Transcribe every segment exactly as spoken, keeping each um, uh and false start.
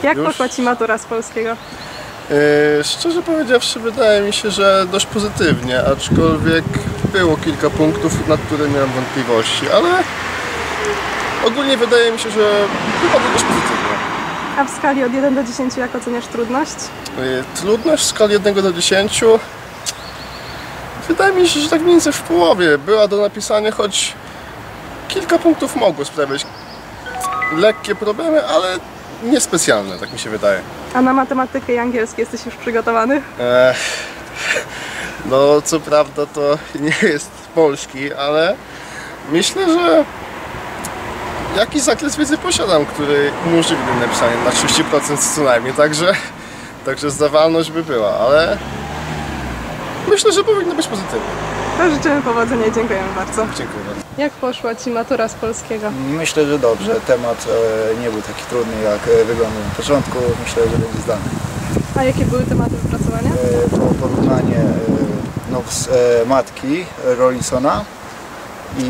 Jak Już? poszła Ci matura z polskiego? Yy, szczerze powiedziawszy, wydaje mi się, że dość pozytywnie, aczkolwiek było kilka punktów, nad które miałem wątpliwości, ale ogólnie wydaje mi się, że wypadło dość pozytywnie. A w skali od jeden do dziesięciu jak oceniasz trudność? Yy, trudność w skali od jednego do dziesięciu wydaje mi się, że tak mniej więcej w połowie była do napisania, choć kilka punktów mogło sprawiać lekkie problemy, ale niespecjalne, tak mi się wydaje. A na matematykę i angielski jesteś już przygotowany? Ech, no co prawda to nie jest polski, ale myślę, że jakiś zakres wiedzy posiadam, który umożliwi mi napisanie na trzydzieści procent co najmniej, także, także zdawalność by była, ale myślę, że powinno być pozytywnie. To życzymy powodzenia i dziękujemy bardzo. Dziękuję bardzo. Jak poszła Ci matura z polskiego? Myślę, że dobrze. Temat e, nie był taki trudny, jak e, wyglądał na początku. Myślę, że będzie zdany. A jakie były tematy wypracowania? E, było porównanie e, no, z, e, matki Rollinsona i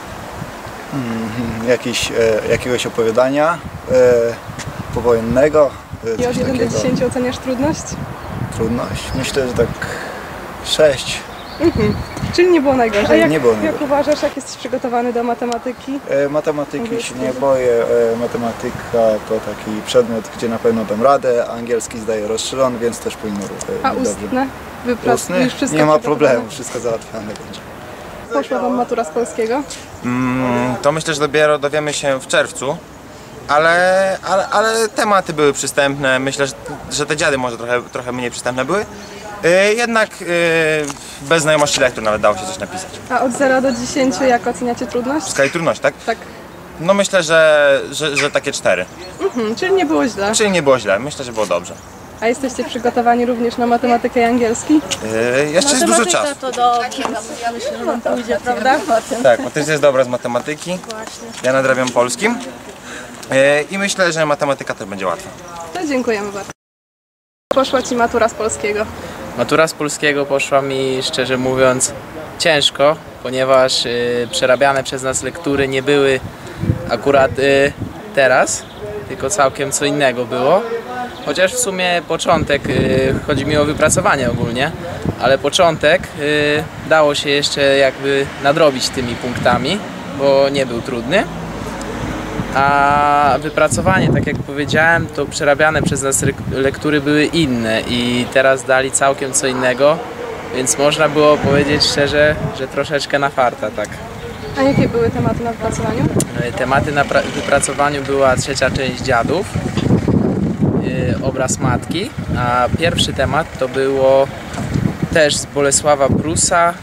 mm, jakiś, e, jakiegoś opowiadania e, powojennego. E, I coś od jeden do takiego. dziesięciu oceniasz trudność? Trudność. Myślę, że tak sześć. Mhm. Czyli nie było najgorzej. A jak, Nie było jak najgorzej. uważasz, jak jesteś przygotowany do matematyki? E, matematyki się nie boję. E, matematyka to taki przedmiot, gdzie na pewno dam radę. Angielski zdaję rozszerzony, więc też powinno e, A być dobrze. ustne? Wyprac- Ustny? już wszystko Nie ma przygotowane? problemu, wszystko załatwione będzie. Poszła Wam matura z polskiego? Mm, to myślę, że dopiero dowiemy się w czerwcu, ale, ale, ale tematy były przystępne. Myślę, że, że te dziady może trochę, trochę mniej przystępne były. Yy, jednak yy, bez znajomości lektur nawet dało się coś napisać. A od zera do dziesięciu jak oceniacie W trudność? skali trudności, tak? Tak. No myślę, że, że, że takie cztery. Mhm, czyli nie było źle. Czyli nie było źle, myślę, że było dobrze. A jesteście przygotowani również na matematykę i angielski? Yy, jeszcze jest dużo czasu. To dobrze, myślę, że nam pójdzie, prawda? Tak, Patrycja jest dobra z matematyki, ja nadrabiam polskim. Yy, I myślę, że matematyka też będzie łatwa. To dziękujemy bardzo. Poszła Ci matura z polskiego. Matura z polskiego poszła mi, szczerze mówiąc, ciężko, ponieważ y, przerabiane przez nas lektury nie były akurat y, teraz, tylko całkiem co innego było. Chociaż w sumie początek, y, chodzi mi o wypracowanie ogólnie, ale początek y, dało się jeszcze jakby nadrobić tymi punktami, bo nie był trudny. A wypracowanie, tak jak powiedziałem, to przerabiane przez nas lektury były inne i teraz dali całkiem co innego, więc można było powiedzieć szczerze, że troszeczkę na farta, tak. A jakie były tematy na wypracowaniu? Tematy na wypracowaniu była trzecia część dziadów, yy, obraz matki, a pierwszy temat to było też z Bolesława Prusa,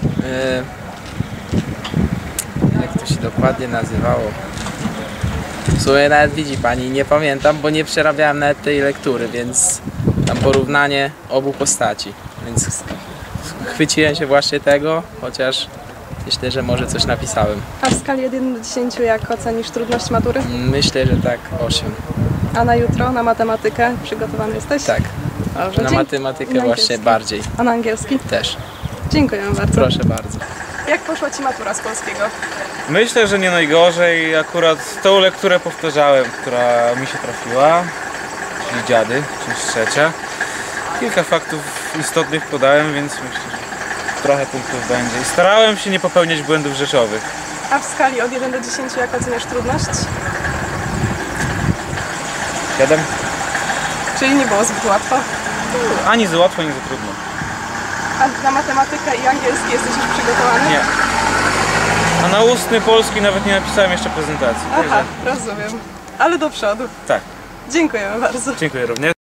yy, jak to się dokładnie nazywało? W sumie nawet widzi Pani, nie pamiętam, bo nie przerabiałem nawet tej lektury, więc tam porównanie obu postaci, więc chwyciłem się właśnie tego, chociaż myślę, że może coś napisałem. A w skali od jeden do dziesięciu jak ocenisz trudność matury? Myślę, że tak osiem. A na jutro, na matematykę przygotowany jesteś? Tak, Dobrze, na dzięki. matematykę I na właśnie angielski? bardziej A na angielski? też. Dziękujemy bardzo. Proszę bardzo. Jak poszła Ci matura z polskiego? Myślę, że nie najgorzej. Akurat tą lekturę powtarzałem, która mi się trafiła, czyli dziady, część trzecia. Kilka faktów istotnych podałem, więc myślę, że trochę punktów będzie. I starałem się nie popełniać błędów rzeczowych. A w skali od jeden do dziesięciu jak oceniasz trudność? Siedem? Czyli nie było zbyt łatwo. Ani za łatwo, ani za trudno. A na matematykę i angielski jesteś już przygotowany? Nie. A na ustny polski nawet nie napisałem jeszcze prezentacji. Aha, rozumiem. Ale do przodu. Tak. Dziękujemy bardzo. Dziękuję również.